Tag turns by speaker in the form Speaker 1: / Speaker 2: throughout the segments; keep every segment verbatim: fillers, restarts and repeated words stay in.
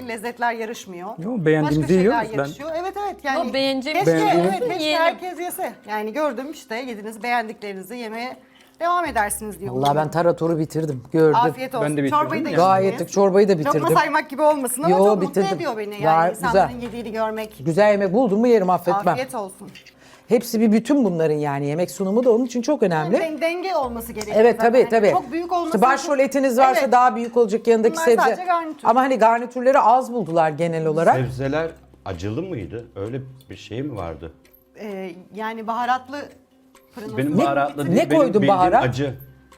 Speaker 1: sürekli lezzetler yarışmıyor.
Speaker 2: Yo, beğendiğimizi
Speaker 1: Başka şeyler
Speaker 2: yiyoruz ben.
Speaker 1: yarışıyor. Evet evet yani.
Speaker 3: Yo, beğeneceğimiz-
Speaker 1: keşke,
Speaker 2: Beğendiğimiz-
Speaker 1: evet, keşke
Speaker 3: Yiyelim.
Speaker 1: herkes yese. Yani gördüm işte yediniz beğendiklerinizi yemeye devam edersiniz diye.
Speaker 4: Vallahi ben taratoru bitirdim. Gördüm.
Speaker 1: Afiyet olsun.
Speaker 2: Ben de bitirdim
Speaker 1: Çorbayı da
Speaker 2: ya.
Speaker 1: içtiniz.
Speaker 4: Gayet çorbayı da bitirdim.
Speaker 1: Lokma saymak gibi olmasın ama
Speaker 4: Yo,
Speaker 1: çok
Speaker 4: bitirdim.
Speaker 1: mutlu ediyor beni yani
Speaker 4: Gayet
Speaker 1: insanların
Speaker 4: güzel.
Speaker 1: yediğini görmek.
Speaker 4: Güzel yemek buldum mu yerim, affetmem.
Speaker 1: Afiyet olsun.
Speaker 4: Hepsi bir bütün bunların, yani yemek sunumu da onun için çok önemli.
Speaker 1: Den- denge olması gerekiyor.
Speaker 4: Evet
Speaker 1: zaten.
Speaker 4: tabii
Speaker 1: Hani
Speaker 4: tabii.
Speaker 1: Çok büyük olması.
Speaker 4: İşte başrol etiniz varsa
Speaker 1: Evet.
Speaker 4: daha büyük olacak yanındaki
Speaker 1: Bunlar
Speaker 4: sebze.
Speaker 1: sadece garnitür.
Speaker 4: Ama hani garnitürleri az buldular genel olarak.
Speaker 5: Sebzeler acılı mıydı? Öyle bir şey mi vardı?
Speaker 1: Ee, yani baharatlı fırın
Speaker 5: Benim
Speaker 1: usulü.
Speaker 5: baharatlı
Speaker 4: ne
Speaker 5: değil, benim
Speaker 4: koydun
Speaker 5: bildiğim
Speaker 4: baharat?
Speaker 5: acı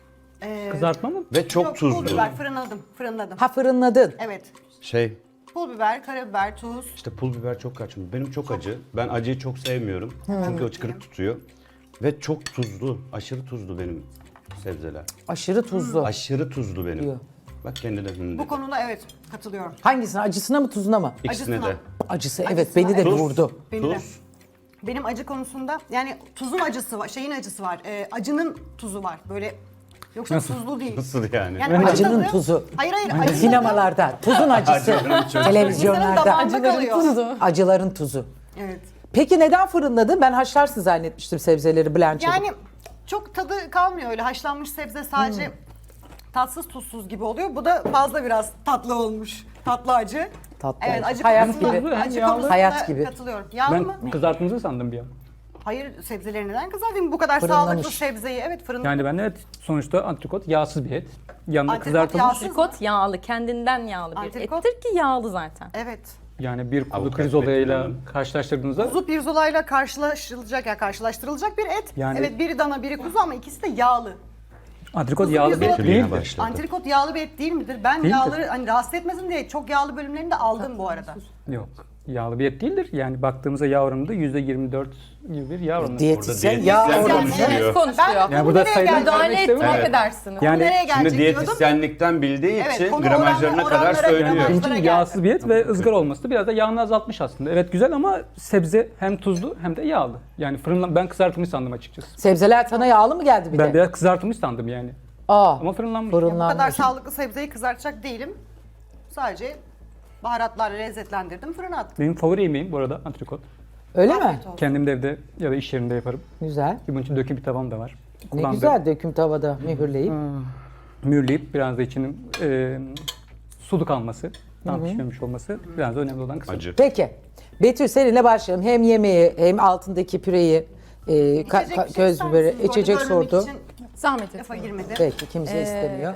Speaker 2: Kızartma mı?
Speaker 5: ve çok
Speaker 1: Yok, pul
Speaker 5: tuzlu.
Speaker 1: biber fırınladım, fırınladım.
Speaker 4: Ha, fırınladın.
Speaker 1: Evet.
Speaker 5: Şey,
Speaker 1: Pul biber, karabiber, tuz.
Speaker 5: işte pul biber çok kaçmış. Benim çok acı. Ben acıyı çok sevmiyorum. Çünkü o çıkırık tutuyor. Ve çok tuzlu, aşırı tuzlu benim sebzeler.
Speaker 4: Aşırı tuzlu.
Speaker 5: Aşırı tuzlu benim.
Speaker 4: Diyor.
Speaker 5: Bak kendine hım
Speaker 1: Bu
Speaker 5: dedi.
Speaker 1: konuda evet katılıyorum.
Speaker 4: Hangisine? Acısına mı tuzuna mı?
Speaker 5: İkisine
Speaker 1: acısına.
Speaker 5: de.
Speaker 4: Acısı, evet,
Speaker 1: Acısına,
Speaker 4: beni de
Speaker 1: evet.
Speaker 4: vurdu.
Speaker 1: Beni de.
Speaker 5: Tuz.
Speaker 1: Benim acı konusunda yani tuzun acısı var, şeyin acısı var. Ee, acının tuzu var. Böyle yoksa tuzlu değil.
Speaker 5: Nasıl yani?
Speaker 1: Yani acı
Speaker 4: Acının
Speaker 1: tadı-
Speaker 4: tuzu.
Speaker 1: Hayır hayır. acı tadı
Speaker 4: Sinemalarda tuzun acısı.
Speaker 5: Acıların çok-
Speaker 1: insanın
Speaker 4: Televizyonlarda.
Speaker 1: damağında kalıyor.
Speaker 4: Acıların tuzu.
Speaker 1: Evet.
Speaker 4: Peki neden fırınladın? Ben haşlarsın zannetmiştim sebzeleri blanch'ı.
Speaker 1: Yani çok tadı kalmıyor öyle. Haşlanmış sebze sadece tatsız tuzsuz gibi oluyor. Bu da fazla biraz tatlı olmuş. Tatlı acı.
Speaker 4: Tatlı
Speaker 1: Evet,
Speaker 4: acı.
Speaker 1: acı
Speaker 4: Hayat
Speaker 1: konusunda,
Speaker 4: gibi.
Speaker 1: acı
Speaker 2: Yağlı.
Speaker 1: konusunda
Speaker 4: Hayat gibi.
Speaker 1: katılıyorum. Yağlı mı?
Speaker 2: Ben kızartmanızı sandım bir an.
Speaker 1: Hayır, sebzeleri neden kızartayım? Bu kadar
Speaker 4: Fırınlamış.
Speaker 1: sağlıklı sebzeyi. Evet, fırında.
Speaker 2: Yani ben evet sonuçta antrikot yağsız bir et. Yanında
Speaker 1: Antrikot
Speaker 2: kızartılmış.
Speaker 1: yağsız.
Speaker 3: Antrikot yağlı, kendinden yağlı bir
Speaker 1: Antrikot-
Speaker 3: ettir ki yağlı zaten.
Speaker 1: Evet.
Speaker 2: Yani bir kuzu
Speaker 5: Avukat
Speaker 2: krizolayla
Speaker 5: Betül Hanım.
Speaker 2: karşılaştırdığınızda
Speaker 1: Kuzu pirzolayla karşılaştırılacak ya karşılaştırılacak bir et.
Speaker 2: Yani-
Speaker 1: Evet, biri dana, biri kuzu ama ikisi de yağlı.
Speaker 2: antrikot
Speaker 1: Kuzu
Speaker 2: yağlı bir et
Speaker 1: pirzola-
Speaker 5: Betül yine
Speaker 2: değildir.
Speaker 5: başladı.
Speaker 1: Antrikot yağlı bir et değil midir? Ben
Speaker 2: Değildir.
Speaker 1: yağları hani rahatsız etmesin diye çok yağlı bölümlerini de aldım bu arada.
Speaker 2: Yok. Yağlı bir et değildir. Yani baktığımızda yağ oranında yüzde yirmi dört gibi bir yağ oranı.
Speaker 4: Diyetisyen
Speaker 5: Orada
Speaker 4: yağ
Speaker 5: diyetisyen
Speaker 4: oranı.
Speaker 5: konuşuyor.
Speaker 3: Evet, konuşuyor.
Speaker 1: Ben
Speaker 2: Yani
Speaker 1: konu
Speaker 2: burada
Speaker 1: nereye
Speaker 2: sayılan
Speaker 1: gelecek
Speaker 3: Müdahale
Speaker 2: vermek
Speaker 3: etmek
Speaker 2: istemiyorum.
Speaker 3: edersiniz.
Speaker 1: Konu
Speaker 2: Yani
Speaker 1: nereye
Speaker 5: Şimdi
Speaker 1: gelecek diyordum.
Speaker 5: diyetisyenlikten bildiği
Speaker 1: Evet,
Speaker 5: için
Speaker 1: konu
Speaker 5: gramajlarına
Speaker 1: oranla-
Speaker 5: kadar
Speaker 1: oranlara
Speaker 5: söylüyor.
Speaker 1: gramaj-
Speaker 2: Bizim
Speaker 1: Onlara
Speaker 2: için
Speaker 1: geldi.
Speaker 2: yağsız bir et ve ızgara olması da biraz da yağını azaltmış aslında. Evet güzel ama sebze hem tuzlu hem de yağlı. Yani fırınlan ben kızartılmış sandım açıkçası.
Speaker 4: Sebzeler sana yağlı mı geldi bir
Speaker 2: Ben
Speaker 4: de?
Speaker 2: biraz kızartılmış sandım yani.
Speaker 4: Aa,
Speaker 2: Ama fırınlanmış.
Speaker 1: Bu kadar
Speaker 4: fırınlanmış.
Speaker 1: sağlıklı sebzeyi kızartacak değilim. Sadece baharatlarla lezzetlendirdim, fırına attım.
Speaker 2: Benim favori yemeğim bu arada antrikot.
Speaker 4: Öyle mi?
Speaker 1: Afiyet olsun.
Speaker 2: Kendim de evde ya da iş yerinde yaparım.
Speaker 4: Güzel.
Speaker 2: Bunun için döküm bir tavam da var.
Speaker 4: Ne
Speaker 2: Kullandığım.
Speaker 4: güzel döküm tavada mühürleyip.
Speaker 2: Mühürleyip biraz da içinin e, sulu kalması, tam pişmemiş olması biraz da önemli olan kısım.
Speaker 5: Acı.
Speaker 4: Peki. Betül seninle başlayalım. Hem yemeği hem altındaki püreyi, e, ka-
Speaker 1: İçecek
Speaker 4: ka-
Speaker 1: bir şey
Speaker 4: köz
Speaker 1: ister
Speaker 4: biberi,
Speaker 1: misiniz? Bu arada
Speaker 4: içecek
Speaker 1: bölmemek
Speaker 4: sordu.
Speaker 1: için
Speaker 3: Zahmet
Speaker 1: lafa
Speaker 3: etmeyin.
Speaker 1: girmedi.
Speaker 4: Peki kimse
Speaker 3: Ee,
Speaker 4: istemiyor.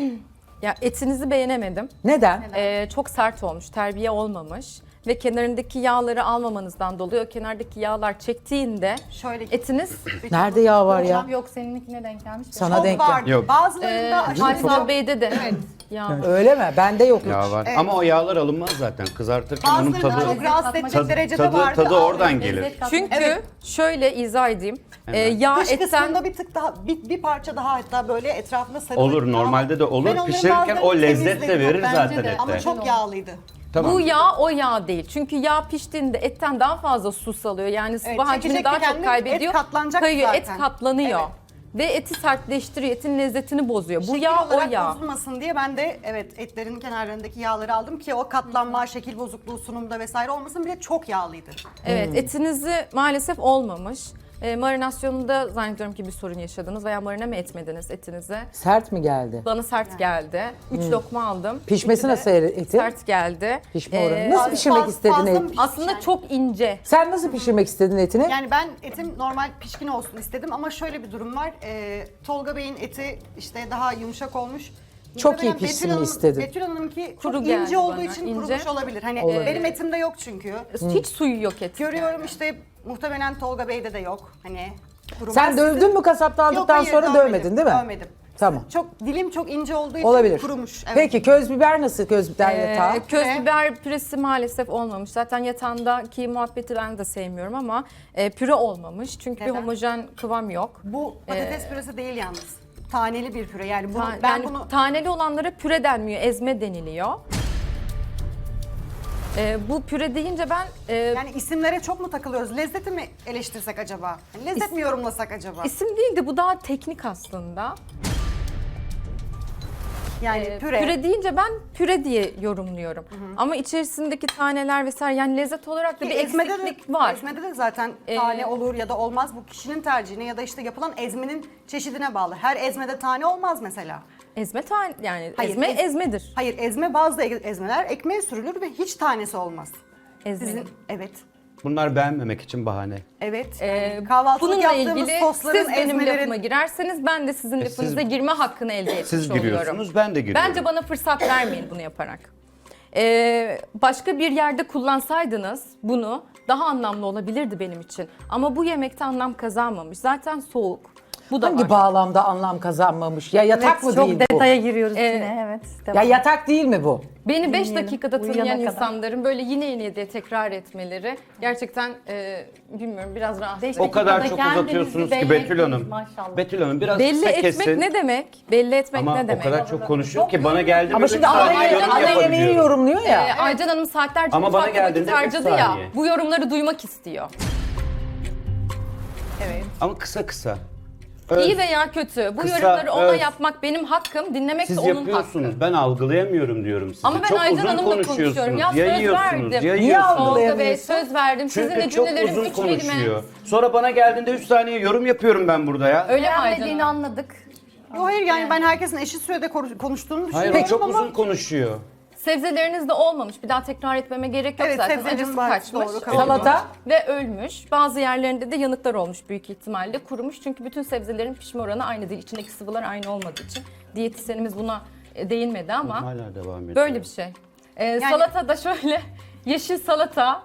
Speaker 3: Ya etinizi beğenemedim.
Speaker 4: Neden?
Speaker 3: Ee, çok sert olmuş, terbiye olmamış ve kenarındaki yağları almamanızdan dolayı o kenardaki yağlar çektiğinde
Speaker 1: Şöyle
Speaker 3: etiniz
Speaker 4: Nerede yağ var ya?
Speaker 6: Yok seninkine denk gelmiş. de.
Speaker 4: Sana
Speaker 1: çok
Speaker 4: denk
Speaker 1: vardı.
Speaker 4: gel.
Speaker 5: Yok.
Speaker 1: Bazılarında
Speaker 3: e,
Speaker 1: aşırı
Speaker 3: Haydar Bey'de de yağ.
Speaker 4: Öyle mi? Bende yok hiç.
Speaker 5: Yağ var. Ama o yağlar alınmaz zaten. Kızartırken onun
Speaker 1: Bazılarında
Speaker 5: tadı
Speaker 1: çok rahatsız edecek
Speaker 5: tadı,
Speaker 1: derecede
Speaker 5: tadı,
Speaker 1: vardı.
Speaker 5: tadı oradan
Speaker 1: Almayın.
Speaker 5: gelir.
Speaker 6: Lezzet katmak-
Speaker 3: Çünkü
Speaker 1: Evet.
Speaker 3: şöyle izah edeyim. Ee,
Speaker 5: Hemen.
Speaker 3: yağ
Speaker 1: Dış
Speaker 3: etten
Speaker 1: kısmında bir tık daha, bir, bir parça daha hatta böyle etrafına sarılır.
Speaker 5: Olur, normalde de olur.
Speaker 1: Ben onların
Speaker 5: Pişirirken
Speaker 1: bazılarını
Speaker 5: o lezzet de
Speaker 1: temizledim.
Speaker 5: verir
Speaker 1: Bence
Speaker 5: zaten
Speaker 1: de.
Speaker 5: ete.
Speaker 1: Ama çok yağlıydı.
Speaker 5: Tamam.
Speaker 3: bu yağ o yağ değil. Çünkü yağ piştiğinde etten daha fazla su salıyor. Yani sıvı
Speaker 1: Evet,
Speaker 3: hacmini
Speaker 1: çekecek
Speaker 3: daha
Speaker 1: de
Speaker 3: çok
Speaker 1: kendi
Speaker 3: kaybediyor.
Speaker 1: et katlanacak
Speaker 3: Kayıyor, et
Speaker 1: zaten.
Speaker 3: katlanıyor.
Speaker 1: Evet.
Speaker 3: Ve eti sertleştiriyor, etin lezzetini bozuyor. Bu
Speaker 1: Şekil
Speaker 3: yağ o
Speaker 1: olarak
Speaker 3: yağ.
Speaker 1: bozulmasın diye ben de evet etlerin kenarlarındaki yağları aldım ki o katlanma, şekil bozukluğu sunumda vesaire olmasın. Bir de çok yağlıydı.
Speaker 3: Evet, etinizi maalesef olmamış. E, marinasyonunda zannediyorum ki bir sorun yaşadınız veya marine mi etmediniz etinizi?
Speaker 4: Sert mi geldi?
Speaker 3: Bana sert geldi. Üç lokma aldım.
Speaker 4: Pişmesi
Speaker 3: İkisi de
Speaker 4: nasıl eti?
Speaker 3: Sert geldi.
Speaker 4: Pişme
Speaker 3: Ee,
Speaker 4: oranı. Nasıl
Speaker 1: faz-
Speaker 4: pişirmek
Speaker 1: faz-
Speaker 4: istedin
Speaker 1: fazla
Speaker 4: et?
Speaker 1: mı pişmiş
Speaker 3: Aslında
Speaker 1: yani?
Speaker 3: çok ince.
Speaker 4: Sen nasıl pişirmek istedin etini?
Speaker 1: Yani ben etim normal pişkin olsun istedim ama şöyle bir durum var. Ee, Tolga Bey'in eti işte daha yumuşak olmuş.
Speaker 4: Çok
Speaker 1: Muhtemelen
Speaker 4: iyi pişsin
Speaker 1: Betül
Speaker 4: mi
Speaker 1: Hanım-
Speaker 4: istedin?
Speaker 1: Betül Hanım'ınki
Speaker 3: Kuru
Speaker 1: çok
Speaker 3: geldi
Speaker 1: ince olduğu
Speaker 3: bana,
Speaker 1: için
Speaker 3: ince.
Speaker 1: kurumuş olabilir. Hani
Speaker 4: Olabilir.
Speaker 1: benim etimde yok çünkü.
Speaker 3: Hiç suyu yok etin.
Speaker 1: Görüyorum işte muhtemelen Tolga Bey'de de yok. Hani kurumaz.
Speaker 4: Sen dövdün mü kasaptan
Speaker 1: Yok,
Speaker 4: aldıktan
Speaker 1: hayır,
Speaker 4: sonra
Speaker 1: dövmedim,
Speaker 4: dövmedin değil mi?
Speaker 1: Dövmedim.
Speaker 4: Tamam.
Speaker 1: Çok dilim çok ince olduğu için
Speaker 4: Olabilir.
Speaker 1: kurumuş. Evet.
Speaker 4: Peki köz biber nasıl köz biber
Speaker 3: Ee,
Speaker 4: yatağı?
Speaker 3: köz
Speaker 1: Püre.
Speaker 3: biber püresi maalesef olmamış. Zaten yatağındaki muhabbeti ben de sevmiyorum ama e, püre olmamış. Çünkü
Speaker 1: Neden?
Speaker 3: bir homojen kıvam yok.
Speaker 1: Bu patates püresi değil yalnız. Taneli bir püre. Yani bunu,
Speaker 3: Ta-
Speaker 1: ben
Speaker 3: yani
Speaker 1: bunu
Speaker 3: taneli olanlara püre denmiyor, ezme deniliyor. E, bu püre deyince ben e,
Speaker 1: yani isimlere çok mu takılıyoruz? Lezzeti mi eleştirsek acaba? Yani lezzet mi yorumlasak acaba?
Speaker 3: isim değil de bu daha teknik aslında.
Speaker 1: Yani
Speaker 3: Ee,
Speaker 1: püre.
Speaker 3: püre deyince ben püre diye yorumluyorum. Ama içerisindeki taneler vesaire yani lezzet olarak da
Speaker 1: Ki
Speaker 3: bir
Speaker 1: ezmede de,
Speaker 3: eksiklik var.
Speaker 1: ezmede de zaten
Speaker 3: Ee,
Speaker 1: tane olur ya da olmaz. Bu kişinin tercihine ya da işte yapılan ezmenin çeşidine bağlı. Her ezmede tane olmaz mesela.
Speaker 3: Ezme tane yani
Speaker 1: Hayır,
Speaker 3: ezme
Speaker 1: ez-
Speaker 3: ezmedir.
Speaker 1: Hayır, ezme bazı e- ezmeler ekmeğe sürülür ve hiç tanesi olmaz.
Speaker 3: Ezme.
Speaker 1: Sizin evet.
Speaker 5: Bunlar beğenmemek için bahane.
Speaker 1: Evet.
Speaker 3: Ee,
Speaker 1: yani kahvaltılık
Speaker 3: bununla
Speaker 1: yaptığımız
Speaker 3: ilgili
Speaker 1: sosların,
Speaker 3: siz benim
Speaker 1: ezmelerin...
Speaker 3: lafıma girerseniz ben de sizin
Speaker 5: E,
Speaker 3: lafınıza
Speaker 5: siz-
Speaker 3: girme hakkını elde etmiş
Speaker 5: Siz
Speaker 3: oluyorum.
Speaker 5: giriyorsunuz, ben de giriyorum.
Speaker 3: Bence bana fırsat vermeyin bunu yaparak. Ee, başka bir yerde kullansaydınız bunu daha anlamlı olabilirdi benim için. Ama bu yemekte anlam kazanmamış. Zaten soğuk. Bu da
Speaker 4: Hangi
Speaker 3: var.
Speaker 4: bağlamda anlam kazanmamış? Ya yatak mı
Speaker 6: Çok
Speaker 4: değil bu?
Speaker 6: detaya giriyoruz
Speaker 3: Ee,
Speaker 6: yine evet.
Speaker 4: Ya
Speaker 6: Devam.
Speaker 4: yatak değil mi bu?
Speaker 3: Beni beş
Speaker 6: Dinleyelim.
Speaker 3: dakikada tanıyan
Speaker 6: Uyuyana kadar.
Speaker 3: insanların böyle yine yine diye tekrar etmeleri gerçekten e, bilmiyorum biraz rahatsız.
Speaker 6: Beş
Speaker 5: O kadar
Speaker 6: dakikada
Speaker 5: çok
Speaker 6: kendinizi
Speaker 5: uzatıyorsunuz
Speaker 6: belli
Speaker 5: ki Betül
Speaker 6: ettiniz
Speaker 5: Hanım.
Speaker 6: maşallah.
Speaker 5: Betül Hanım biraz
Speaker 3: Belli
Speaker 5: kısa
Speaker 3: etmek
Speaker 5: kesin.
Speaker 3: ne demek? Belli etmek
Speaker 5: Ama
Speaker 3: ne demek?
Speaker 5: o kadar çok konuşuyor ki bana geldi
Speaker 4: Ama
Speaker 5: mi
Speaker 4: şimdi
Speaker 5: bir
Speaker 4: ana,
Speaker 5: saniye yorum
Speaker 4: ana yemeği
Speaker 5: yapabiliyorum.
Speaker 4: yorumluyor ya.
Speaker 3: Ee, Aycan Hanım saatlerce
Speaker 5: Ama bana
Speaker 3: mutfakta vakit
Speaker 5: geldiğinde üç
Speaker 3: harcadı ya.
Speaker 5: saniye.
Speaker 3: Bu yorumları duymak istiyor.
Speaker 1: Evet.
Speaker 5: Ama kısa kısa. Öz.
Speaker 3: İyi veya kötü. Bu
Speaker 5: Kısa,
Speaker 3: yorumları ona
Speaker 5: öz.
Speaker 3: yapmak benim hakkım. Dinlemek
Speaker 5: Siz
Speaker 3: de onun
Speaker 5: yapıyorsunuz.
Speaker 3: hakkı.
Speaker 5: Ben algılayamıyorum diyorum size.
Speaker 3: Ama ben
Speaker 5: çok
Speaker 3: Aycan
Speaker 5: uzun
Speaker 3: Hanım'la
Speaker 5: konuşuyorsunuz.
Speaker 3: konuşuyorum. Ya söz
Speaker 5: Yayıyorsunuz,
Speaker 3: verdim.
Speaker 5: yayıyorsunuz.
Speaker 4: Niye
Speaker 3: Tolga Bey
Speaker 4: algılayamıyorsun?
Speaker 3: söz verdim. Sizin de
Speaker 5: Çünkü çok
Speaker 3: cümlelerim
Speaker 5: uzun
Speaker 3: üç kelime.
Speaker 5: konuşuyor. Sonra bana geldiğinde üç saniye yorum yapıyorum ben burada ya.
Speaker 3: Öyle mi Aycan
Speaker 6: Beğenmediğini
Speaker 3: Hanım?
Speaker 6: anladık.
Speaker 1: Yo, hayır yani ben herkesin eşit sürede konuş- konuştuğunu
Speaker 5: Hayır
Speaker 1: düşünüyorum
Speaker 5: o çok
Speaker 1: ama
Speaker 5: uzun konuşuyor.
Speaker 3: Sebzeleriniz de olmamış. Bir daha tekrar etmeme gerek yok
Speaker 1: Evet,
Speaker 3: zaten.
Speaker 1: sebzelerin
Speaker 3: Acısı
Speaker 1: var,
Speaker 3: kaçmış.
Speaker 1: doğru, kabul
Speaker 4: Salata?
Speaker 3: Ve ölmüş. Bazı yerlerinde de yanıklar olmuş büyük ihtimalle. Kurumuş çünkü bütün sebzelerin pişme oranı aynı değil. İçindeki sıvılar aynı olmadığı için. Diyetisyenimiz buna e, değinmedi ama
Speaker 5: Hala devam ediyor.
Speaker 3: böyle bir şey. Ee, Salata da şöyle yeşil salata.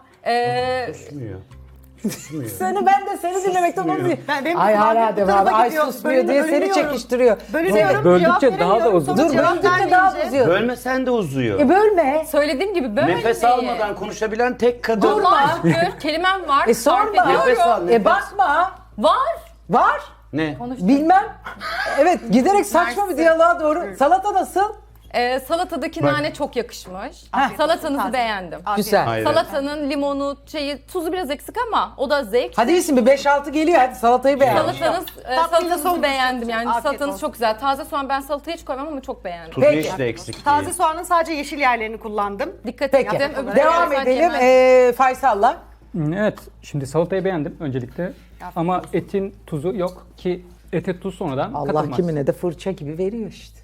Speaker 3: E,
Speaker 5: Susmuyor. Susmuyor.
Speaker 4: Seni ben de seni dinlemekten onu diyor.
Speaker 1: Ben- benim
Speaker 4: Ay
Speaker 1: kulağım
Speaker 4: hala
Speaker 1: bu
Speaker 4: devam.
Speaker 1: tarafa
Speaker 4: Ay
Speaker 1: gidiyor.
Speaker 4: susmuyor diye
Speaker 1: Bölünü-
Speaker 4: seni
Speaker 1: bölünüyorum.
Speaker 4: çekiştiriyor.
Speaker 1: bölünüyorum.
Speaker 2: Böldükçe
Speaker 1: cevap
Speaker 2: daha da
Speaker 1: veremiyorum,
Speaker 2: uzun.
Speaker 1: sonra
Speaker 4: Dur
Speaker 1: cevap
Speaker 4: böldükçe daha
Speaker 1: vermeyince-
Speaker 4: uzuyor.
Speaker 5: Bölmesen de uzuyor.
Speaker 4: E bölme.
Speaker 3: söylediğim gibi böyle.
Speaker 5: Nefes almadan konuşabilen tek kadın.
Speaker 3: Allah şükür kelimem var.
Speaker 4: E
Speaker 3: sarf
Speaker 4: sorma.
Speaker 3: ediyorum.
Speaker 5: Nefes al,
Speaker 4: E
Speaker 5: nefes.
Speaker 4: bakma.
Speaker 3: Var.
Speaker 4: Var.
Speaker 5: Ne?
Speaker 4: Bilmem. Evet giderek saçma bir
Speaker 3: Mersi.
Speaker 4: diyaloğa doğru. Salata nasıl?
Speaker 3: Ee, salatadaki
Speaker 5: Bak.
Speaker 3: nane çok yakışmış.
Speaker 1: Afiyet
Speaker 3: Salatanızı
Speaker 1: olsun, taze.
Speaker 3: beğendim.
Speaker 1: Afiyet
Speaker 4: Güzel.
Speaker 1: olsun.
Speaker 5: Hayır.
Speaker 3: Salatanın limonu, şeyi, tuzu biraz eksik ama o da zevk.
Speaker 4: Hadi iyisin bir beş altı geliyor hadi salatayı beğen.
Speaker 3: Salatanız, e,
Speaker 1: Tatlıyla
Speaker 3: salatanızı
Speaker 1: son
Speaker 3: beğendim yani
Speaker 1: Afiyet
Speaker 3: salatanız
Speaker 1: olsun.
Speaker 3: çok güzel. Taze soğan ben salataya hiç koymam ama çok beğendim.
Speaker 5: Tuzu
Speaker 4: Peki.
Speaker 5: işte eksik
Speaker 1: Taze
Speaker 5: değil.
Speaker 1: soğanın sadece yeşil yerlerini kullandım.
Speaker 3: Dikkat
Speaker 4: Peki.
Speaker 3: ettim. Öbür
Speaker 4: Devam
Speaker 3: taraftan
Speaker 4: edelim.
Speaker 3: yemem.
Speaker 4: Ee, Faysal'la.
Speaker 2: Evet, şimdi salatayı beğendim öncelikle. Ama etin tuzu yok ki ete tuz sonradan
Speaker 4: Allah
Speaker 2: katılmaz.
Speaker 4: kimine de fırça gibi veriyor işte.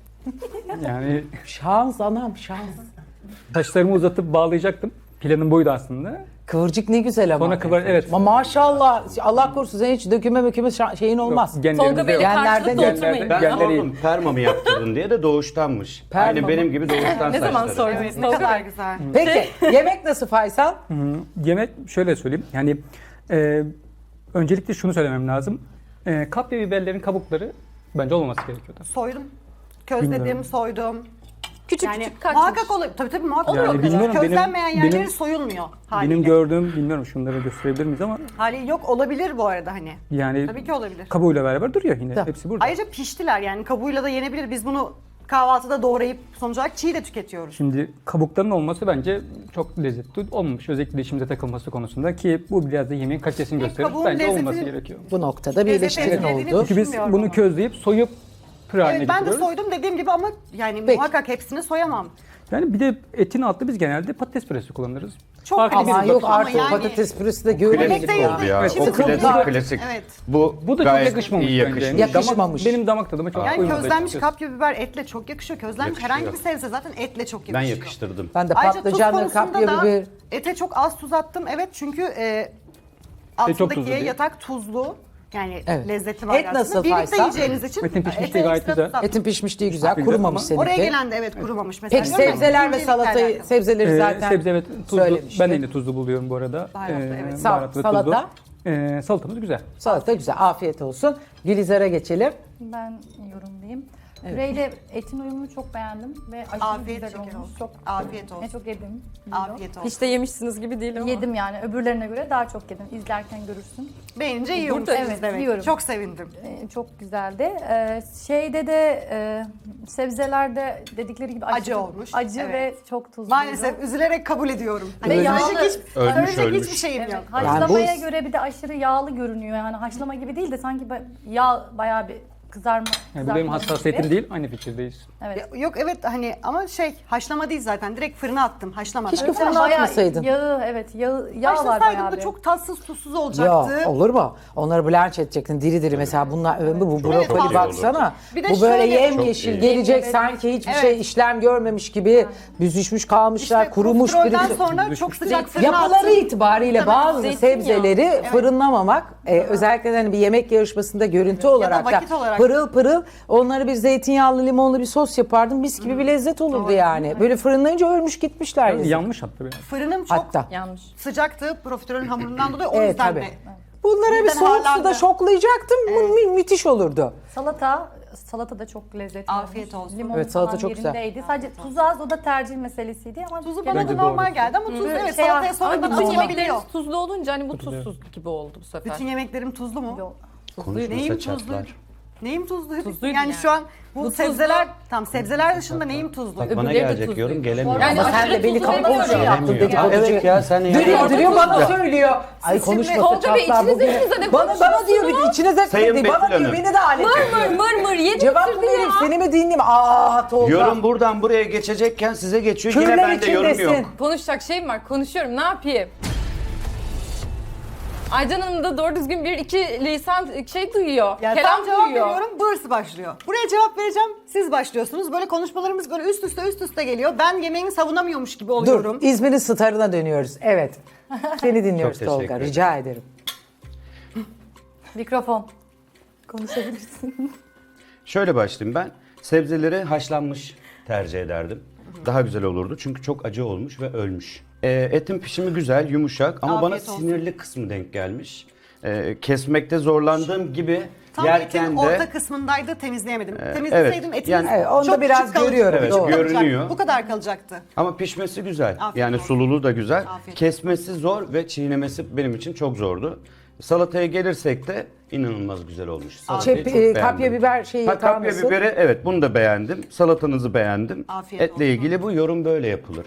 Speaker 2: Yani
Speaker 4: Şans anam şans.
Speaker 2: saçlarımı uzatıp bağlayacaktım. Planım buydu aslında.
Speaker 4: Kıvırcık ne güzel ama.
Speaker 2: Sonra kıvır, evet.
Speaker 4: Ama maşallah Allah korusun senin hiç döküme möküme şa- şeyin olmaz.
Speaker 2: Yok, genlerimizde
Speaker 3: Tolga Bey'le
Speaker 2: yok.
Speaker 4: Genlerden-
Speaker 3: karşılıklı
Speaker 4: genlerden-
Speaker 3: oturmayın.
Speaker 5: Ben
Speaker 2: Genleri iyi.
Speaker 5: sordum perma mı yaptırdın diye de doğuştanmış.
Speaker 4: Perma
Speaker 5: Aynı
Speaker 4: mı?
Speaker 5: benim gibi doğuştan
Speaker 3: Ne zaman
Speaker 5: saçları.
Speaker 3: sordunuz
Speaker 1: Evet, ne
Speaker 3: Tolga
Speaker 1: kadar
Speaker 3: Bey?
Speaker 1: güzel.
Speaker 4: Peki yemek nasıl Faysal?
Speaker 2: Yemek şöyle söyleyeyim. Yani e, öncelikle şunu söylemem lazım. E, kapya biberlerin kabukları bence olmaması gerekiyordu.
Speaker 1: Soydum. Közledim,
Speaker 2: Bilmiyorum.
Speaker 1: soydum.
Speaker 3: Küçük
Speaker 1: Yani
Speaker 3: küçük kaçmış.
Speaker 1: muhakkak olur. Tabii tabii muhakkak
Speaker 2: Yani
Speaker 1: olur.
Speaker 2: bilmiyorum, benim-
Speaker 1: Közlenmeyen yerleri
Speaker 2: benim-
Speaker 1: soyulmuyor haliyle.
Speaker 2: Benim gördüğüm, bilmiyorum şunları gösterebilir miyiz ama
Speaker 1: Hali yok olabilir bu arada hani.
Speaker 2: yani
Speaker 1: Tabii ki olabilir.
Speaker 2: kabuğuyla beraber duruyor yine.
Speaker 4: Tamam.
Speaker 2: Hepsi burada.
Speaker 1: Ayrıca piştiler yani kabuğuyla da yenebilir. Biz bunu kahvaltıda doğrayıp sonuç olarak çiğ de tüketiyoruz.
Speaker 2: Şimdi kabukların olması bence çok lezzetli olmamış. Özellikle dişimize takılması konusunda ki bu biraz da yemeğin kalitesini gösterir.
Speaker 1: kabuğun
Speaker 2: Bence
Speaker 1: lezzeti-
Speaker 2: olması gerekiyor.
Speaker 4: Bu noktada bir
Speaker 1: Lezzet
Speaker 4: eleştirin
Speaker 1: ezberediğini
Speaker 4: oldu.
Speaker 2: Çünkü biz
Speaker 1: Düşünmüyorum
Speaker 2: bunu
Speaker 1: ama.
Speaker 2: közleyip soyup püre haline
Speaker 1: Evet ben de
Speaker 2: getiriyoruz.
Speaker 1: soydum dediğim gibi ama yani
Speaker 4: Peki.
Speaker 1: muhakkak hepsini soyamam.
Speaker 2: Yani bir de etin altı biz genelde patates püresi kullanırız.
Speaker 1: Çok
Speaker 2: Farklı
Speaker 1: klasik
Speaker 4: Ama
Speaker 2: bir
Speaker 4: yok
Speaker 1: ama
Speaker 4: artık
Speaker 1: yani-
Speaker 4: patates püresi de
Speaker 5: Klasik
Speaker 4: görmedik
Speaker 1: değil
Speaker 4: ya.
Speaker 5: oldu ya.
Speaker 1: Evet,
Speaker 5: O
Speaker 1: şimdi
Speaker 5: klasik
Speaker 4: kıvırcık-
Speaker 5: klasik.
Speaker 1: Evet.
Speaker 5: Bu,
Speaker 2: Bu da
Speaker 5: gayet
Speaker 2: çok yakışmamış
Speaker 5: iyi
Speaker 2: bence.
Speaker 5: yakışmış.
Speaker 2: Yani
Speaker 4: Yakışmamış.
Speaker 2: Damak, benim damak tadıma çok
Speaker 1: Yani
Speaker 2: uymadı
Speaker 1: közlenmiş
Speaker 2: açıkçası.
Speaker 1: kapya biber etle çok yakışıyor. Közlenmiş
Speaker 5: Yakışıyor.
Speaker 1: herhangi bir sebze zaten etle çok
Speaker 5: Ben
Speaker 1: yakışıyor.
Speaker 5: yakıştırdım.
Speaker 4: Ben de
Speaker 1: Ayrıca tuz
Speaker 4: patlıcanlı
Speaker 1: konusunda
Speaker 4: kapya
Speaker 1: da
Speaker 4: biber.
Speaker 1: ete çok az tuz attım. Evet çünkü e,
Speaker 2: çok
Speaker 1: altındaki
Speaker 2: tuzlu değil.
Speaker 1: yatak tuzlu. Yani
Speaker 4: Evet.
Speaker 1: lezzeti var
Speaker 4: Et
Speaker 1: aslında.
Speaker 4: nasıl
Speaker 1: Birlikte
Speaker 4: Faysal?
Speaker 1: yiyeceğiniz için
Speaker 2: Etin pişmişliği
Speaker 1: ete
Speaker 2: gayet
Speaker 1: ekstra
Speaker 2: güzel.
Speaker 1: tuz attım.
Speaker 4: Etin pişmişliği güzel,
Speaker 2: Güzel
Speaker 4: kurumamış
Speaker 2: ama-
Speaker 4: seninki.
Speaker 1: Oraya gelen de evet kurumamış mesela.
Speaker 4: Peki
Speaker 1: Diyorum ya,
Speaker 4: sebzeler ve
Speaker 1: incelikle
Speaker 4: salatayı,
Speaker 1: alakalı.
Speaker 4: sebzeleri
Speaker 2: Ee,
Speaker 4: zaten
Speaker 2: sebze evet tuzlu.
Speaker 4: söylemiştik.
Speaker 2: Ben de yine tuzlu buluyorum bu arada.
Speaker 1: Baharatlı, evet.
Speaker 2: baharat
Speaker 4: Sal-
Speaker 2: ve tuzlu.
Speaker 4: salata?
Speaker 2: Ee, salatamız güzel.
Speaker 4: Salata güzel, afiyet olsun. Gülizar'a geçelim.
Speaker 6: Ben yorumlayayım. Püreyle etin uyumunu çok beğendim ve aşırı
Speaker 1: Afiyet
Speaker 6: güzel
Speaker 1: şeker
Speaker 6: olmuş.
Speaker 1: olsun.
Speaker 6: Çok
Speaker 1: Afiyet olsun.
Speaker 6: Ne çok yedim.
Speaker 1: Afiyet olsun.
Speaker 3: Hiç de yemişsiniz gibi değil ama.
Speaker 6: Yedim yani öbürlerine göre daha çok yedim. İzlerken görürsün.
Speaker 1: Beğenince yiyormuşsunuz
Speaker 6: Evet,
Speaker 1: demek.
Speaker 6: yiyorum.
Speaker 1: Çok sevindim.
Speaker 6: Ee, çok güzeldi. Ee, şeyde de e, sebzelerde dedikleri gibi
Speaker 1: Acı
Speaker 6: aşırı
Speaker 1: olmuş.
Speaker 6: Acı
Speaker 1: Evet.
Speaker 6: ve çok tuzlu.
Speaker 1: Maalesef üzülerek kabul ediyorum. Hani
Speaker 6: Ve
Speaker 1: söyleyecek
Speaker 6: yağlı-
Speaker 1: hiç,
Speaker 5: Ölmüş,
Speaker 1: söyleyecek
Speaker 5: ölmüş.
Speaker 1: hiçbir şeyim
Speaker 6: Evet,
Speaker 1: yok.
Speaker 6: haşlamaya
Speaker 4: bu-
Speaker 6: göre bir de aşırı yağlı görünüyor. Yani haşlama gibi değil de sanki ba- yağ bayağı bir kızarma.
Speaker 2: Yani bu benim
Speaker 6: kızartma
Speaker 2: hassasiyetim
Speaker 6: gibi.
Speaker 2: değil, aynı fikirdeyiz.
Speaker 6: Evet.
Speaker 1: Ya, Yok evet hani ama şey haşlama değil zaten. Direkt fırına attım. Haşlamadan.
Speaker 4: Keşke
Speaker 1: Sen
Speaker 4: fırına
Speaker 6: Bayağı
Speaker 4: atmasaydın.
Speaker 6: Yağı, evet yağı, yağ var
Speaker 1: Haşlasaydım
Speaker 6: bayağı
Speaker 1: da
Speaker 6: bir.
Speaker 1: çok tatsız tuzsuz
Speaker 4: Ya
Speaker 1: olacaktı.
Speaker 4: olur mu? Onları blanch edecektin diri diri mesela bunlar bu, bu brokoli
Speaker 1: fazla
Speaker 4: baksana.
Speaker 1: Bir de
Speaker 4: Bu böyle
Speaker 1: şöyle-
Speaker 4: yemyeşil
Speaker 5: Çok iyi.
Speaker 4: gelecek
Speaker 6: Evet.
Speaker 4: sanki hiçbir
Speaker 1: Evet.
Speaker 4: şey işlem görmemiş gibi büzüşmüş kalmışlar,
Speaker 1: İşte
Speaker 4: kurumuş
Speaker 1: profiterolden
Speaker 4: biri.
Speaker 1: sonra çok sıcak fırına
Speaker 4: Yapıları
Speaker 1: attım.
Speaker 4: itibariyle
Speaker 1: Tabii,
Speaker 4: bazı
Speaker 3: zeytinyağı.
Speaker 4: sebzeleri fırınlamamak, e, özellikle hani bir yemek yarışmasında görüntü olarak da
Speaker 1: vakit olarak.
Speaker 4: pırıl pırıl onları bir zeytinyağlı limonlu bir sos yapardım. Mis gibi bir lezzet olurdu yani. Böyle fırınlayınca ölmüş gitmişler. yazık.
Speaker 2: Yanmış hatta biraz.
Speaker 1: Fırınım çok
Speaker 4: Hatta.
Speaker 3: Yanlış.
Speaker 1: sıcaktı profiterolün hamurundan dolayı o
Speaker 4: Evet
Speaker 1: yüzden
Speaker 4: tabii.
Speaker 1: de.
Speaker 4: Bunlara bir
Speaker 1: Birden
Speaker 4: soğuk suda
Speaker 1: harlandı.
Speaker 4: şoklayacaktım. Bu mü- müthiş olurdu.
Speaker 6: Salata, salata da çok lezzetli
Speaker 1: Afiyet
Speaker 6: olmuş.
Speaker 1: olsun.
Speaker 6: Limon
Speaker 4: Evet, salata
Speaker 6: falan
Speaker 4: çok güzel.
Speaker 6: yerindeydi. Sadece tuzu az, o da tercih meselesiydi ama
Speaker 1: Tuzu
Speaker 6: gene-
Speaker 1: bana
Speaker 2: Bence
Speaker 1: da normal
Speaker 2: doğru.
Speaker 1: geldi ama tuz
Speaker 6: Hı.
Speaker 1: evet
Speaker 6: Şey,
Speaker 1: salataya
Speaker 6: ama
Speaker 1: sonradan
Speaker 3: Bütün
Speaker 1: atılabiliyor.
Speaker 3: yemekleriniz tuzlu olunca hani bu tuzsuz gibi oldu bu sefer.
Speaker 1: Bütün yemeklerim tuzlu mu?
Speaker 6: Yok.
Speaker 1: Neyim
Speaker 5: Konuşmasa
Speaker 1: tuzlu?
Speaker 5: çatlar.
Speaker 1: Neyim tuzlu?
Speaker 3: Tuzluydu
Speaker 1: yani,
Speaker 3: yani.
Speaker 1: şu an bu,
Speaker 3: Bu
Speaker 1: sebzeler
Speaker 3: tuzlu.
Speaker 1: tam sebzeler dışında neyim tuzlu?
Speaker 5: Bak bana
Speaker 3: Öbürleri de
Speaker 5: gelecek
Speaker 3: tuzlu.
Speaker 5: yorum gelemiyor.
Speaker 3: Yani
Speaker 4: Ama sen
Speaker 3: aşırı
Speaker 4: de beni
Speaker 3: tuzlu
Speaker 4: kapalı
Speaker 3: demiyorum.
Speaker 4: yaptın
Speaker 5: Gelemiyor.
Speaker 4: dedikoducu.
Speaker 5: Evet ya, sen ya.
Speaker 4: Duruyor
Speaker 3: Orada
Speaker 4: duruyor bana
Speaker 5: tuzlu.
Speaker 4: söylüyor. Ay
Speaker 1: Siz şimdi-
Speaker 4: konuşmasa
Speaker 3: Tolga Bey,
Speaker 4: çatlar
Speaker 3: içinize
Speaker 4: bugün.
Speaker 3: içinize ne
Speaker 4: Bana, bana diyor bir de içine
Speaker 5: Sayın
Speaker 4: zekmedi. Bana
Speaker 5: Betül
Speaker 4: diyor
Speaker 5: Hanım.
Speaker 4: beni de alet
Speaker 3: Mır
Speaker 4: ediyor.
Speaker 3: mır mır yedi
Speaker 4: Cevap mı
Speaker 3: bitirdin
Speaker 4: vereyim
Speaker 3: ya.
Speaker 4: seni mi dinleyeyim? Aa Tolga.
Speaker 5: Yorum buradan buraya geçecekken size geçiyor. Yine
Speaker 4: Kürler
Speaker 5: bende yorum
Speaker 4: içindesin.
Speaker 5: yok.
Speaker 3: Konuşacak şeyim var. Konuşuyorum. Ne yapayım? Aycan Hanım da doğru düzgün bir iki lisan şey duyuyor.
Speaker 1: Yani
Speaker 3: kelam
Speaker 1: tam cevap
Speaker 3: duyuyor.
Speaker 1: veriyorum, burası başlıyor. Buraya cevap vereceğim, siz başlıyorsunuz. Böyle konuşmalarımız böyle üst üste üst üste geliyor. Ben yemeğimi savunamıyormuş gibi oluyorum.
Speaker 4: Dur İzmir'in starına dönüyoruz. Evet. Seni dinliyoruz
Speaker 5: Çok teşekkür
Speaker 4: Tolga.
Speaker 5: ederim.
Speaker 4: Rica ederim.
Speaker 6: Mikrofon. Konuşabilirsin.
Speaker 5: Şöyle başlayayım ben. Sebzeleri haşlanmış tercih ederdim. Daha güzel olurdu çünkü çok acı olmuş ve ölmüş. Ee, etin pişimi güzel, yumuşak ama bana
Speaker 1: Afiyet olsun.
Speaker 5: sinirli kısmı denk gelmiş. Ee, kesmekte zorlandığım gibi
Speaker 1: Tam
Speaker 5: yerken
Speaker 1: etin
Speaker 5: de
Speaker 1: orta kısmındaydı, temizleyemedim.
Speaker 5: Ee,
Speaker 1: Temizleseydim
Speaker 5: evet.
Speaker 1: etiniz
Speaker 5: Yani-
Speaker 4: Evet, onu da
Speaker 1: çok
Speaker 4: biraz
Speaker 1: küçük kalacak-
Speaker 4: görüyorum,
Speaker 5: Evet,
Speaker 1: çok kalacak.
Speaker 5: görünüyor.
Speaker 1: Bu kadar kalacaktı.
Speaker 5: ama pişmesi güzel.
Speaker 1: Afiyet
Speaker 5: yani
Speaker 1: olsun.
Speaker 5: sululuğu da güzel.
Speaker 1: Afiyet
Speaker 5: Kesmesi zor ve çiğnemesi benim için çok zordu. Salataya gelirsek de inanılmaz güzel olmuş. Salatayı
Speaker 4: Şey,
Speaker 5: çok
Speaker 4: e,
Speaker 5: beğendim.
Speaker 4: kapya biber şeyi
Speaker 5: Ha,
Speaker 4: yapar
Speaker 5: kapya
Speaker 4: mısın?
Speaker 5: biberi evet bunu da beğendim. Salatanızı beğendim.
Speaker 1: Afiyet
Speaker 5: Etle
Speaker 1: olsun.
Speaker 5: ilgili bu yorum böyle yapılır.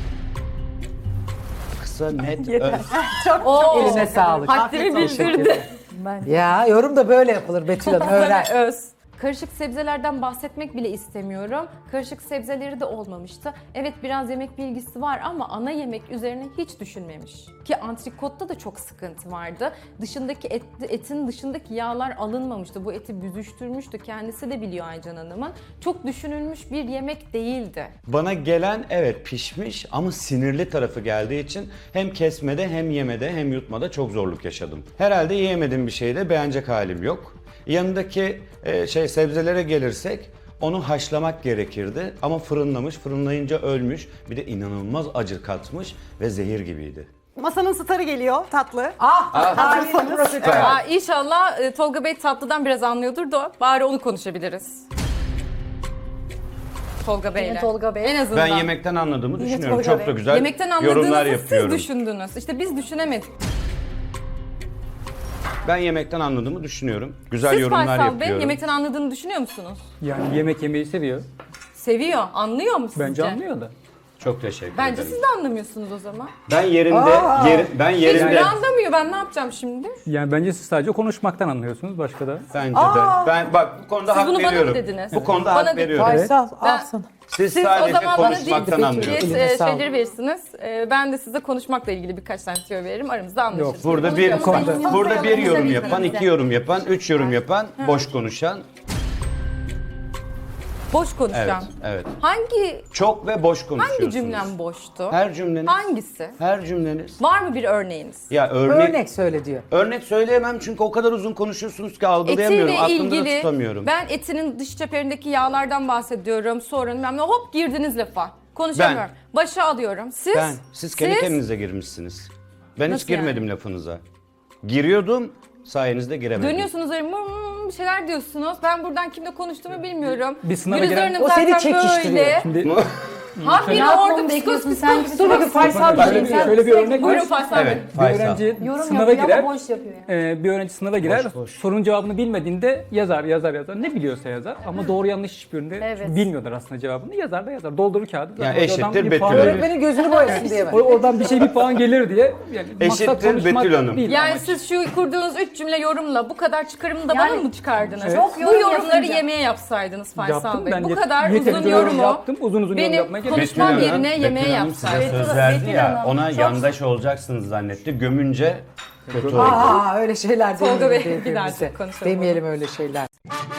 Speaker 5: Kısa, net, öz.
Speaker 3: Oo,
Speaker 4: Eline sağlık.
Speaker 3: haddini bildirdi.
Speaker 6: Ben
Speaker 4: Ya yorum da böyle yapılır Betül Hanım. Öğren.
Speaker 3: Öz. Karışık sebzelerden bahsetmek bile istemiyorum. Karışık sebzeleri de olmamıştı. Evet biraz yemek bilgisi var ama ana yemek üzerine hiç düşünmemiş. Ki antrikotta da çok sıkıntı vardı. Dışındaki et, etin dışındaki yağlar alınmamıştı. Bu eti büzüştürmüştü. Kendisi de biliyor Aycan Hanım'ın. Çok düşünülmüş bir yemek değildi.
Speaker 5: Bana gelen evet pişmiş ama sinirli tarafı geldiği için hem kesmede hem yemede hem yutmada çok zorluk yaşadım. Herhalde yiyemediğim bir şeyde beğenecek halim yok. Yanındaki e, şey sebzelere gelirsek onu haşlamak gerekirdi ama fırınlamış, fırınlayınca ölmüş. Bir de inanılmaz acı katmış ve zehir gibiydi.
Speaker 1: Masanın starı geliyor, tatlı.
Speaker 4: Ah!
Speaker 1: Hazırsanız.
Speaker 3: Aa, İnşallah e, Tolga Bey tatlıdan biraz anlıyordur da bari onu konuşabiliriz. Tolga Bey'le.
Speaker 6: Yine Tolga Bey.
Speaker 3: En azından.
Speaker 5: Ben yemekten anladığımı düşünüyorum.
Speaker 6: Tolga
Speaker 5: Çok
Speaker 6: Bey.
Speaker 5: da güzel
Speaker 3: Yemekten
Speaker 5: yorumlar
Speaker 3: anladığınızı
Speaker 5: yapıyorum.
Speaker 3: siz düşündünüz. İşte biz düşünemedik.
Speaker 5: Ben yemekten anladığımı düşünüyorum. Güzel
Speaker 3: Siz
Speaker 5: yorumlar
Speaker 3: Faysal Bey
Speaker 5: yapıyorum.
Speaker 3: yemekten anladığını düşünüyor musunuz?
Speaker 2: Yani yemek yemeyi seviyor.
Speaker 3: Seviyor. Anlıyor mu sizce?
Speaker 2: Bence anlıyor da.
Speaker 5: Çok teşekkür
Speaker 3: Bence
Speaker 5: ederim.
Speaker 3: siz de anlamıyorsunuz o zaman.
Speaker 5: Ben yerinde, yeri- ben
Speaker 3: Hiçbiri
Speaker 5: yerinde.
Speaker 3: anlamıyor. Ben ne yapacağım şimdi?
Speaker 2: Yani bence siz sadece konuşmaktan anlıyorsunuz. Başka da.
Speaker 5: Bence de. Ben bak bu konuda
Speaker 3: Siz
Speaker 5: hak
Speaker 3: bunu bana mı
Speaker 5: veriyorum.
Speaker 3: dediniz?
Speaker 5: Bu konuda
Speaker 3: Bana
Speaker 5: hak
Speaker 3: dediniz.
Speaker 5: veriyorum.
Speaker 4: Faysal
Speaker 3: Ben-
Speaker 4: al sana.
Speaker 5: Siz,
Speaker 3: Siz
Speaker 5: sadece
Speaker 3: o zaman bana
Speaker 5: konuşmaktan
Speaker 3: ciddi
Speaker 5: anlıyorsunuz.
Speaker 4: Eline
Speaker 3: e,
Speaker 4: sağlık.
Speaker 3: şeyleri verirsiniz. E, ben de size konuşmakla ilgili birkaç tane tüyo veririm. Aramızda anlaşırız.
Speaker 5: Burada bir
Speaker 3: Konuşuyoruz.
Speaker 5: burada bir yorum
Speaker 6: Konuşabiliriz.
Speaker 5: yapan, iki yorum yapan, üç yorum yapan, boş konuşan.
Speaker 3: Boş
Speaker 5: Evet,
Speaker 3: konuşacağım.
Speaker 5: evet.
Speaker 3: Hangi
Speaker 5: Çok ve boş konuşuyorsunuz.
Speaker 3: hangi cümlem boştu?
Speaker 5: Her cümleniz.
Speaker 3: Hangisi?
Speaker 5: Her cümleniz.
Speaker 3: Var mı bir örneğiniz?
Speaker 5: Ya örnek, örnek
Speaker 4: Örnek söyle diyor.
Speaker 5: söyleyemem çünkü o kadar uzun konuşuyorsunuz ki algılayamıyorum.
Speaker 3: Etiyle
Speaker 5: Aklımda da
Speaker 3: ilgili
Speaker 5: tutamıyorum.
Speaker 3: ben etinin dış çeperindeki yağlardan bahsediyorum. Sonra bilmem ne hop girdiniz lafa. Konuşamıyorum. Başa alıyorum. Siz?
Speaker 5: Ben, siz kendi kendinize girmişsiniz. Ben
Speaker 3: Nasıl
Speaker 5: hiç girmedim lafınıza. Giriyordum, sayenizde giremedim.
Speaker 3: Dönüyorsunuz öyle mım mım bir şeyler diyorsunuz. Ben buradan kimle konuştuğumu bilmiyorum.
Speaker 2: Bir sınava
Speaker 3: Gülizar
Speaker 2: giren-
Speaker 3: Hanım
Speaker 4: O seni
Speaker 3: zaten
Speaker 4: çekiştiriyor.
Speaker 3: böyle.
Speaker 2: Şimdi
Speaker 3: Habire
Speaker 6: Ne yapmamı
Speaker 3: orada
Speaker 6: bekliyorsun
Speaker 3: psikoz
Speaker 6: sen
Speaker 3: psikoz
Speaker 6: gibi
Speaker 4: Dur bakayım Faysal bir
Speaker 2: şöyle
Speaker 4: şey.
Speaker 2: bir, şöyle bir örnek var.
Speaker 3: Buyurun Faysal Bey.
Speaker 5: Evet,
Speaker 2: Bir
Speaker 5: Faysal.
Speaker 2: öğrenci
Speaker 6: yorum
Speaker 2: sınava
Speaker 6: yapıyor
Speaker 2: girer.
Speaker 6: ama boş yapıyor yani.
Speaker 2: e, bir öğrenci sınava girer,
Speaker 5: Boş, boş.
Speaker 2: sorunun cevabını bilmediğinde yazar, yazar, yazar. Ne biliyorsa yazar ama doğru yanlış hiçbirinde
Speaker 6: Evet.
Speaker 2: bilmiyorlar aslında cevabını. Yazar da yazar. Doldurur kağıdı. Zaten
Speaker 5: Yani
Speaker 2: oradan
Speaker 5: eşittir
Speaker 2: bir puan
Speaker 5: Betül
Speaker 2: gelir.
Speaker 5: Hanım.
Speaker 4: Öğretmenin gözünü boyasın diye mi?
Speaker 2: O- Oradan bir şey bir puan gelir diye. Yani maksat
Speaker 5: Eşittir
Speaker 2: konuşmak
Speaker 5: Betül Hanım.
Speaker 2: değil.
Speaker 3: Yani
Speaker 2: amaç.
Speaker 3: siz şu kurduğunuz üç cümle yorumla bu kadar çıkarımı da
Speaker 6: Yani
Speaker 3: bana mı çıkardınız?
Speaker 2: Evet.
Speaker 6: Çok
Speaker 3: Bu
Speaker 6: yorum
Speaker 3: yorumları
Speaker 6: yapınca.
Speaker 3: yemeğe yapsaydınız Faysal
Speaker 2: Yaptım
Speaker 3: Bey.
Speaker 2: ben.
Speaker 3: Bu
Speaker 2: yet-
Speaker 3: kadar
Speaker 2: yeterince
Speaker 3: uzun
Speaker 2: yorum
Speaker 3: yorumu
Speaker 2: yaptım. Uzun uzun yorum
Speaker 3: benim
Speaker 2: yapmaya gerek yok.
Speaker 3: konuşmam
Speaker 5: Betül Hanım,
Speaker 3: yerine
Speaker 5: Betül
Speaker 3: yemeğe
Speaker 5: Hanım size
Speaker 3: yapsaydınız.
Speaker 5: söz verdi
Speaker 6: Betül
Speaker 5: ya,
Speaker 6: Hanım,
Speaker 5: ona
Speaker 6: çok-
Speaker 5: yandaş olacaksınız zannetti. Gömünce kötü oldu.
Speaker 4: Aa öyle şeyler
Speaker 3: Tolga
Speaker 4: demeyelim
Speaker 3: Bey, bir daha
Speaker 4: birbirimize.
Speaker 3: çok konuşalım
Speaker 4: Demeyelim öyle şeyler.